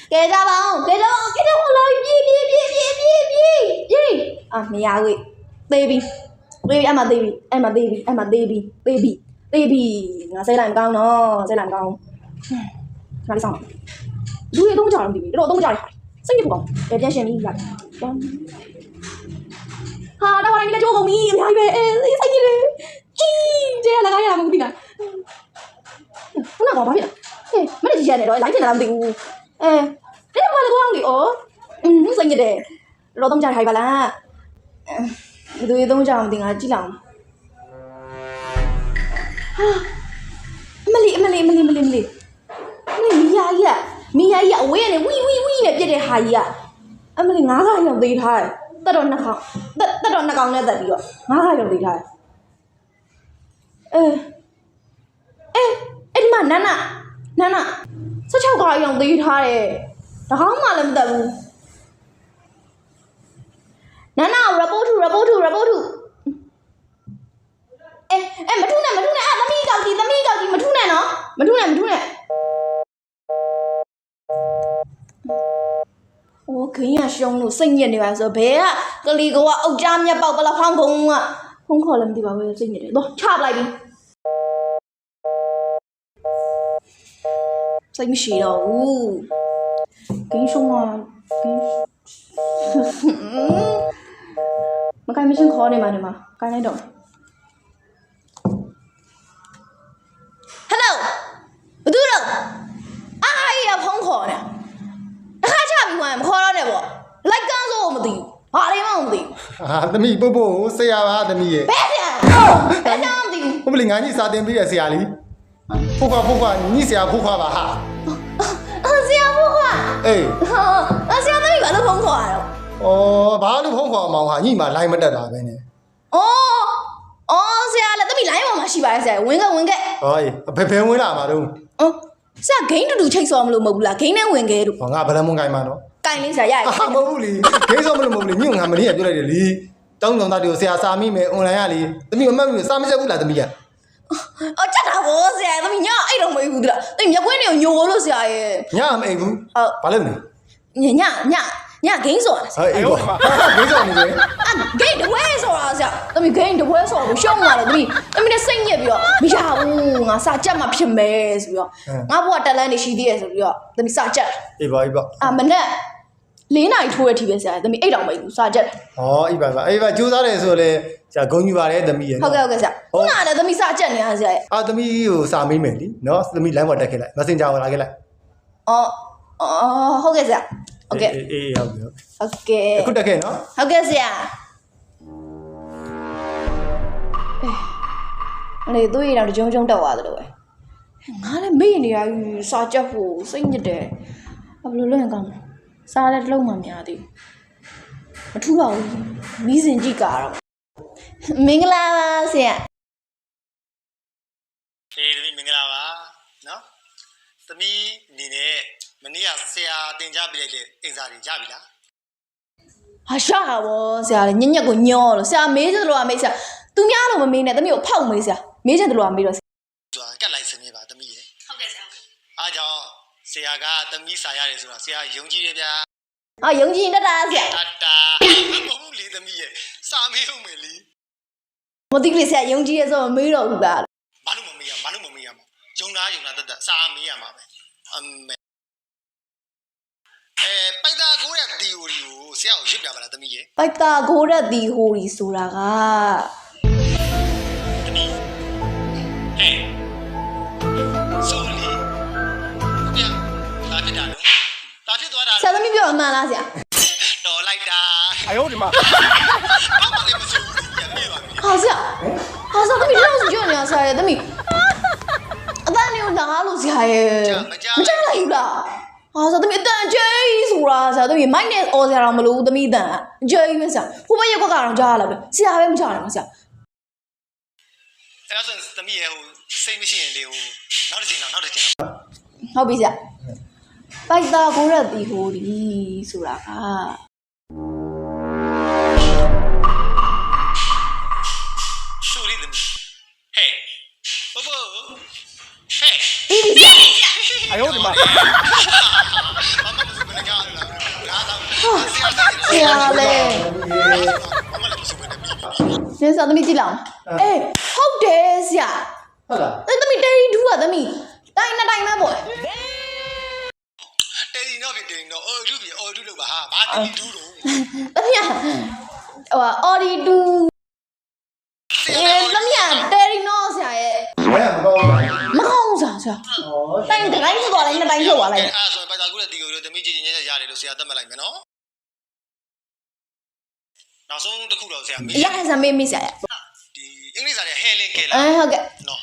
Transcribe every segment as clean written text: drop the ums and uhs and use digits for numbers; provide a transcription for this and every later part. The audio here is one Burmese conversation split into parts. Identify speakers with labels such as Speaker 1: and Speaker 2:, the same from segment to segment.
Speaker 1: 给着吧，给着吧，给着我了，别，啊，没呀喂 ，baby，阿妈 baby，我谁来讲喏，谁来讲？哪里上了？路也都不叫人 baby，这都不叫人，生意不高，别变闲米呀。哈，那我来你来叫我米，你还以为生意嘞？这那个呀，我听啊。我哪搞把片？没得几钱的，来钱来不丢。你怎么来讲的哦？生意的，老东家还不啦？对东家不定啊，几两？啊，没哩，米呀，我也呢，喂呢，别的还呀，没哩，俺还要对他，得到那行呢，得的哟，俺还要对他。你妈奶奶，这巧个要对他嘞，那行嘛能得不？奶奶，report，没出来啊，咱们搞的，没出来呢，没出来。我肯定凶了，生意的话说别啊，这里个我欧家面包不了航空啊，空可能对吧？我生意的，喏，差不来的，生意是了，给凶啊，มันใกล้ไม่ใช่คอเนี่ยมาใกล้ไหนดอกฮัลโหลดูดูอ้ายอย่าพ้องคอเนี่ยข้าชาပြီးဝင်မခေါ်တော့နဲ့ပေါ့လိုက်ကန်းစိုးမသိဘူးဘာလေးမှမသိဘူး
Speaker 2: သမီးပို့ဆရာပါသမီးရဲ့
Speaker 1: ဘယ်ဆရာမသိဘူး
Speaker 2: ဟုတ်ပြီငါကြီးစာတင်ပေးတဲ့ဆရာလေးဖုတ်ခွာညီဆရာဖုတ်ခွာပါဟာ
Speaker 1: ဆရာဖုတ်ခွာ
Speaker 2: အေး
Speaker 1: ဆရာသမီးဘာလို့ဖုတ်ခွာတော့
Speaker 2: ဘာလို့ဖုံးခေါ်မောင်ဟာညီမလိုင်းမတက်တာပဲနဲ့
Speaker 1: ဆရာလည်းသမီးလိုင်းပေါ်မှာရှိပါတယ်ဆရာဝင်ခဲ့
Speaker 2: ဟောဘယ်ဝင်လာမှာတော့
Speaker 1: ဆရာဂိမ်းတူချိတ်စော်မလို့မဟုတ်ဘူးလားဂိမ်းနဲ့ဝင်ခဲ့တို့
Speaker 2: ငါဗလမွန်ကိုင်းမှာနော်
Speaker 1: ကိုင်းလေးဆရာရရ
Speaker 2: မဟုတ်ဘူးလေဂိမ်းစော်မလို့မဟုတ်ဘူးလေညငါမနေ့ကပြောလိုက်တယ်လေတောင်းတောင်သားတွေကိုဆရာစာမိမယ်အွန်လိုင်းကလေသမီးမမှတ်ဘူးစာမချက်ဘူးလားသမီးက
Speaker 1: ကြက်တာဘောဆရာသမီးညအဲ့တော့မဟုတ်ဘူးလားသမီးမျက်ခွင်းတွေကိုညိုလို့ဆရာရဲ့
Speaker 2: ညမအိပ်ဘူးဘာလို့လဲ
Speaker 1: ညဂိမ်းစော်
Speaker 2: ဟဲ့အေးပါဂိမ်းစော်နေတယ်
Speaker 1: ဂိမ်းတပွဲစော်တာဆရာသမီးဂိမ်းတပွဲစော်ကိုရှုံးလာတယ်သမီးနဲ့စိတ်ညစ်ပြီးတော့မရဘူးငါစာကြက်မှဖြစ်မယ်ဆိုပြီးတော့ငါဘွားတက်လန်းနေရှိသေးတယ်ဆိုပြီးတော့သမီးစာကြက်
Speaker 2: အေးပါ
Speaker 1: မနဲ့4နာရီထိုးရထီပဲဆရာသမီး8တောင်မအိပ်ဘူးစာကြက်
Speaker 2: အေးပါကြိုးစားတယ်ဆိုလေဆရာဂုဏ်ယူပါတယ်သမီးရဲ့
Speaker 1: ဟုတ်ကဲ့ဆရာခုနကလည်းသမီးစာကြက်နေရဆရာရဲ့
Speaker 2: သမီးကိုစာမေးမယ်လीနော်သမီး line ပေါ်တက်ခဲ့လိုက် Messenger ဝင်လာခဲ့လိုက်
Speaker 1: ဟုတ်ကဲ့ဆရာဟုတ်ကဲ့
Speaker 2: အေးဟုတ်
Speaker 1: ကဲ့
Speaker 2: အခုတက်ခဲ့နော်
Speaker 1: ဟုတ်ကဲ့ဆရာလေသူ့ရတော့ကြုံတက်သွားတယ်လို့ပဲငါလည်းမေ့နေရစာကြက်ဖို့စိတ်ညစ်တယ်ဘယ်လိုလုပ်ရင်ကောင်းလဲစားလည်းတစ်လုံးမှမရသေးဘူးမထူးပါဘူးမီးစင်ကြည့်ကတော့မင်္ဂလာပါဆရာ
Speaker 3: သမီးမင်္ဂလာပါနော်သမီးအနေနဲ့မနေ့ကဆရာတင်ကြပြလိုက်တဲ့အင်စာတွေရပြီလား
Speaker 1: ဟာရှာတာဗောဆရာလည်းညက်ကိုညောလို့ဆရာမေးချင်တယ်လို့မေးဆရာသူများလို့မမေးနဲ့သမီးကိုဖောက်မေးဆရာမေးချင်တယ်လို့မေးတော့
Speaker 3: ဆိုတာကတ်လိုက်စနေပါသမီးရဲ့ဟုတ်ကဲ့ဆရာအားကြောင့်ဆရာကသမီးစာရတယ်ဆိုတာဆရာယုံကြည်တယ်ဗျာ
Speaker 1: ယုံကြည်တတ်တာဆရာ
Speaker 3: တမဟုတ်လေသမီးရဲ့စာမေးဦးမယ်လी
Speaker 1: မသိကလေးဆရာယုံကြည်ရဆိုမေးတော့ဘူးဗျာ
Speaker 3: ဘာလို့မမေးရမယုံတာတတ်စာမေးရမှာပဲပိုက်တာကိုတဲ့ theory ကိုဆရာကိုရစ်ပြပါလားသမီးရဲ့
Speaker 1: ပိုက်တာကိုတဲ့ theory ဆိုတာက
Speaker 3: သမီးဆိုလီဗျာလာဖြစ်တာနော်လာဖြစ်သွားတာ
Speaker 1: ဆရာသမီးပြောအမှန်လားဆရာ
Speaker 3: တော်လိုက်တာ
Speaker 2: 哎呦我的妈
Speaker 3: ဘာမှလည်းမဆိုဘူးပြန်ပြေးပါပြီ
Speaker 1: ဟာဆရာသမီးလောက်စကြောနေရဆရာရဲ့သမီးအသားနေလာလို့ဆရာရဲ့မကြလိုက်ဘူးလားဆရာသမီးအတန်ကျဲဆိုတာဆရာသမီးမိုက်နဲ့အော်ဆရာတော်မလို့သမီးအတန်ကျဲပဲဆရာဟိုဘက်ရက်ကွက်ကတော့ကြားရလားပဲဆရာပဲမကြားနိုင်ဘူးဆရာ
Speaker 3: အဲ့ဒါဆိုသမီးရဲ့စိတ်မရှိရင်လေနောက်တစ်ချိန်ဟုတ်ပြီ
Speaker 1: ဆရာပိုက်တာကိုရက်တီဟိုဒီဆိုတာက
Speaker 3: ဆိုရီသမီးဟဲ့ဘောဘောဟဲ့
Speaker 1: အေးဆရာ
Speaker 2: 哎呦我的妈！
Speaker 1: ရာလဲ
Speaker 3: ဘာမှလည်းမဆိုဘဲနဲ့ပြီး
Speaker 1: နင်းစားသမီးကြည့်လောက်အေးဟုတ်တယ်ဆရာ
Speaker 2: ဟုတ်လား
Speaker 1: သမီးတဲရီဒူးကသမီးတိုင်းနှစ်တိုင်းပဲပေါ့
Speaker 3: တယ်လီတော့ဖြစ်တယ်တော့အော်ဒူပြီအော်ဒူလို့ပါဟာဘာတယ်လီဒူတော့
Speaker 1: သမီးဟိုအော်ဒီဒူသမီးတဲရီနော်ဆရာရဲ့
Speaker 2: ဘယ်မှာမကောင်းဘူး
Speaker 1: မကောင်းစားဆရာတိုင်းတိုင်းဆိုတော့လည်းနှစ်တိုင်းထုတ်သွားလိုက်
Speaker 3: အဲ့ဆိုရင်ဘာသာကူတဲ့တီကိုသမီးကြည်ညက်ရတယ်လို့ဆရာသတ်မှတ်လိုက်မယ်နော်နောက်ဆုံးတစ်ခုတော့ဆရာမေး
Speaker 1: ရဟန်းစမေးမေးဆရာရဲ့
Speaker 3: ဒီအင်္ဂလိပ်စာရဲ့ Helen Keller
Speaker 1: ဟုတ်ကဲ့
Speaker 3: နော်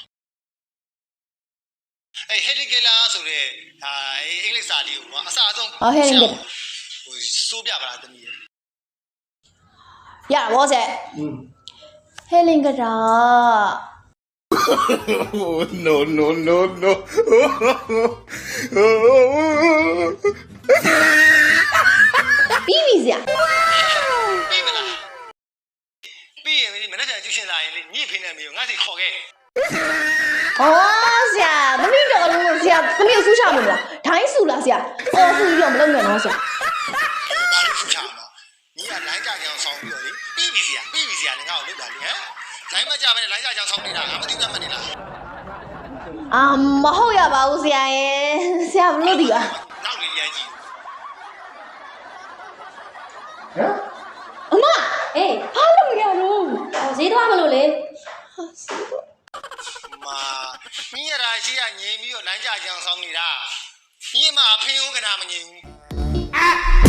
Speaker 3: အဲ့ Helen Keller ဆိုတဲ့အင်္ဂလိပ်စာလေးကိုအစားအဆုံးဟိုစိုးပြပါလားသမီးရဲ့
Speaker 1: ရပါဘောဆရာဟဲလင်ကတာ
Speaker 4: no, no, no, no.
Speaker 1: ပြီးပြီဆရာ
Speaker 3: ပြီးမလားပြီးရင်မနေ့ကကျူရှင်လာရင်လေညစ်ဖိနေမျိုးငါစီခေါ်ခဲ့
Speaker 1: ဟောဆရာသမီးတော်လုံးဆရာသမီးအဆူးချမလို့လားဒိုင်းဆူလားဆရာအော်ဆူပြီးတော့မလုပ်နဲ့နော်ဆရာ
Speaker 3: ဘာလို့ဖူးချအောင်တော့ညီကလိုင်းကြကြအောင်ဆောင်းပြီးတော့လေပြီးပြီဆရာငါ့ကိုလုပ်တာလေဟမ်လိုင်းမကြဘဲနဲ့လိုင်းကြကြအောင်ဆောင်းနေတာငါမသိတတ်မှနေလား
Speaker 1: မဟုတ်ရပါဘူးဆရာရဲ့ဆရာဘလို့ဒီပါ
Speaker 3: နောက်လေရိုင်းကြည့်
Speaker 2: ဟမ်
Speaker 1: အမအေးဘာလို့ရတော့ဈေးသွားမလို့လေ
Speaker 3: မာညီရတာရှိရငြိမ်ပြီးတော့လိုင်းကြကြအောင်ဆောင်းနေတာညီမအဖေဦးကနာမငြိမ်ဘူး